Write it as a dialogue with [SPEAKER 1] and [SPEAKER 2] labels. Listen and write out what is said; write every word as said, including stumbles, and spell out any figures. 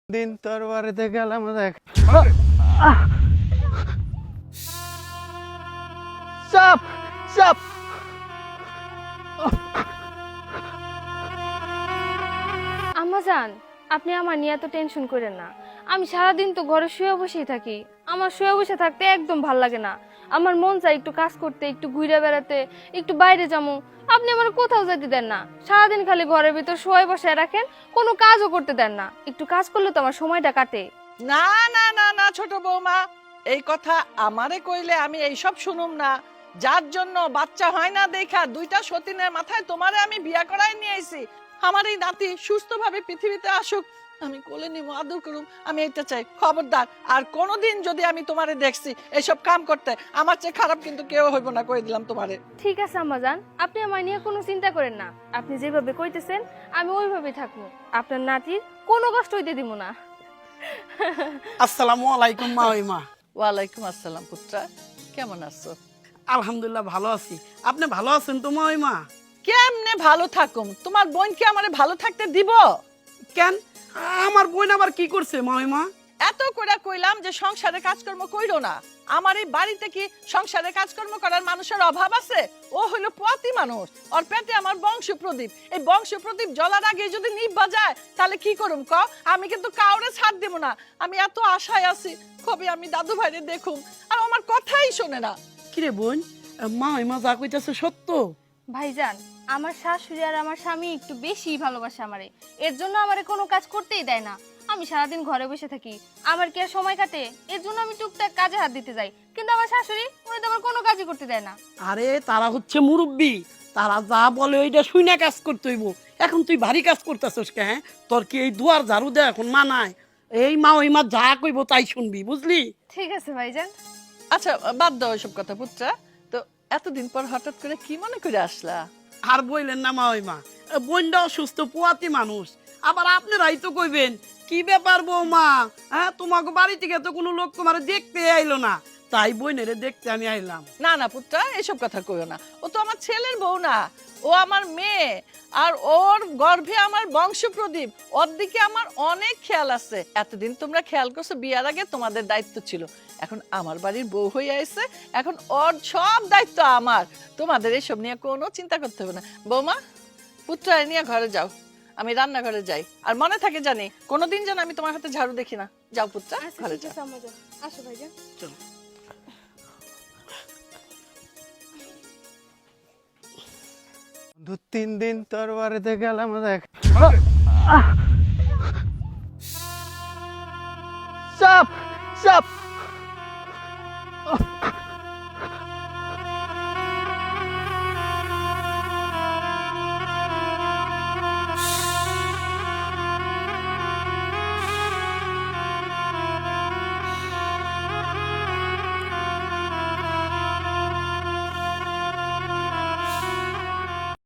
[SPEAKER 1] দিন তোর বাড়িতে গেলাম দেখ চাপ চাপ
[SPEAKER 2] আম্মাজান, আপনি আমার নিয়ে এত টেনশন করেন না। আমি সারাদিন তো ঘরে শুয়ে বসেই থাকি। আমার শুয়ে বসে থাকতে একদম ভাল লাগে না। আমার মন চাই একটু কাজ করতে, একটু ঘুরে বেড়াতে, একটু বাইরে যাবো। আপনি আমার কোথাও যেতে দেন না, সারাদিন খালি ঘরের ভিতর শুয়ে বসে রাখেন, কোনো কাজও করতে দেন না। একটু কাজ করলে তো আমার সময়টা কাটে।
[SPEAKER 3] না না না না ছোট বৌমা, এই কথা আমারে কইলে আমি এইসব শুনুম না। যার জন্য বাচ্চা হয় না দেখা দুইটা সতীনের মাথায় তোমারে আমি বিয়া করাই নিয়ে আইছি। আমার এই নাতি সুস্থভাবে পৃথিবীতে আসুক, আমি কোলে নিব, আদর করুম, আমি এটা চাই। খবরদার আর কোনোদিন যদি আমি তোমারে দেখছি এইসব কাম করতে, আমার চেয়ে খারাপ কিন্তু কেউ হইব না, কই দিলাম তোমারে।
[SPEAKER 2] ঠিক আছে আম্মাজান, আপনি আমার নিয়ে কোনো চিন্তা করেন না। আপনি যেভাবে কইতেছেন আমি ওইভাবেই থাকবো। আপনার নাতির কোনো কষ্ট হইতে দিব না।
[SPEAKER 4] আসসালামু আলাইকুম মা ওই মা।
[SPEAKER 3] ওয়ালাইকুম আসসালাম পুত্রা, কেমন আছো?
[SPEAKER 4] আলহামদুলিল্লাহ ভালো আছি। আপনি ভালো আছেন তো মা ওই মা?
[SPEAKER 3] কেমনে ভালো থাকুম, তোমার বোন কি আমারে ভালো থাকতে দিব?
[SPEAKER 4] কেন, আমার বোন আবার কি করছে মা ওই মা?
[SPEAKER 3] এত করে কইলাম যে সংসারে কাজকর্ম কইরো না। আমার এই বাড়িতে কি সংসারে কাজকর্ম করার মানুষের অভাব আছে? ও হইলো পোয়াতি মানুষ, ওর পেটে আমার বংশ প্রদীপ। এই বংশ প্রদীপ জ্বলার আগে যদি নিভা যায় তাহলে কি করুম ক? আমি কিন্তু কাউরে ছাড় দেব না। আমি এত আশায় আছি কবে আমি দাদু ভাইরে দেখুম, আর আমার কথাই শোনে না।
[SPEAKER 4] কিরে বোন, মা ওই মা যা কইতাছে সত্য?
[SPEAKER 2] ভাইজান, আমার শাশুড়ি আর আমার স্বামী একটু বেশি ভালোবাসে আমারে। এর জন্য আমারে কোনো কাজ করতেই দেয় না। আমি সারাদিন ঘরে বসে থাকি, আমার কি আর সময় কাটে? এর জন্য আমি টুকটাক কাজে হাত দিতে যাই, কিন্তু আমার শাশুড়ি উনি তো আমার কোনো কাজই করতে দেয় না।
[SPEAKER 4] আরে তারা হচ্ছে মুরব্বি, তারা যা বলে ওইটা শুইনা কাজ করতে হইব। এখন তুই ভারী কাজ করতেছস কে? হ্যাঁ, তোর কি এই দুয়ার ঝাড়ু দেয় এখন মানায়? এই মা ওই মা যা কইব তাই শুনবি, বুঝলি?
[SPEAKER 2] ঠিক আছে ভাইজান।
[SPEAKER 3] আচ্ছা বাদ দাও এসব কথা পুত্রা। তো এতদিন পর হঠাৎ করে কি মনে করে আসলা?
[SPEAKER 4] আর বইলেন না মা ওই মা, বোনটা অসুস্থ, পোয়াতি মানুষ। আবার আপনারাই তো কইবেন কি ব্যাপার বৌমা, হ্যাঁ তোমাকে বাড়ি থেকে তো কোনো লোক তোমার দেখতে আইলো না, তাই বোনেরে দেখতে আমি আইলাম।
[SPEAKER 3] না না পুত্রা, এসব কথা কইও না। ও তো আমার ছেলের বউ না, ও আমার মেয়ে। আর ওর গর্ভে আমার বংশ প্রদীপ, ওর দিকে আমার অনেক খেয়াল আছে। এতদিন তোমরা খেয়াল করছো, বিয়ার আগে তোমাদের দায়িত্ব ছিল। এখন আমার বাড়ির বউ হয়ে আইছে, এখন ওর সব দায়িত্ব আমার। তোমাদের এসব নিয়ে কোনো চিন্তা করতে হবে না। বৌমা, পুত্রা নিয়ে ঘরে যাও, আমি রান্নাঘরে যাই। আর মনে থাকে জানি কোনোদিন যেন আমি তোমার হাতে ঝাড়ু দেখি না। যাও পুত্রা,
[SPEAKER 2] আচ্ছা
[SPEAKER 3] ঘরে
[SPEAKER 2] ঠিক
[SPEAKER 3] যাও।
[SPEAKER 2] আছে আম্মাজান, আসো ভাইজান।
[SPEAKER 4] চলো।
[SPEAKER 1] দু তিন দিন তোর বাড়িতে গেলাম দেখ চাপ চাপ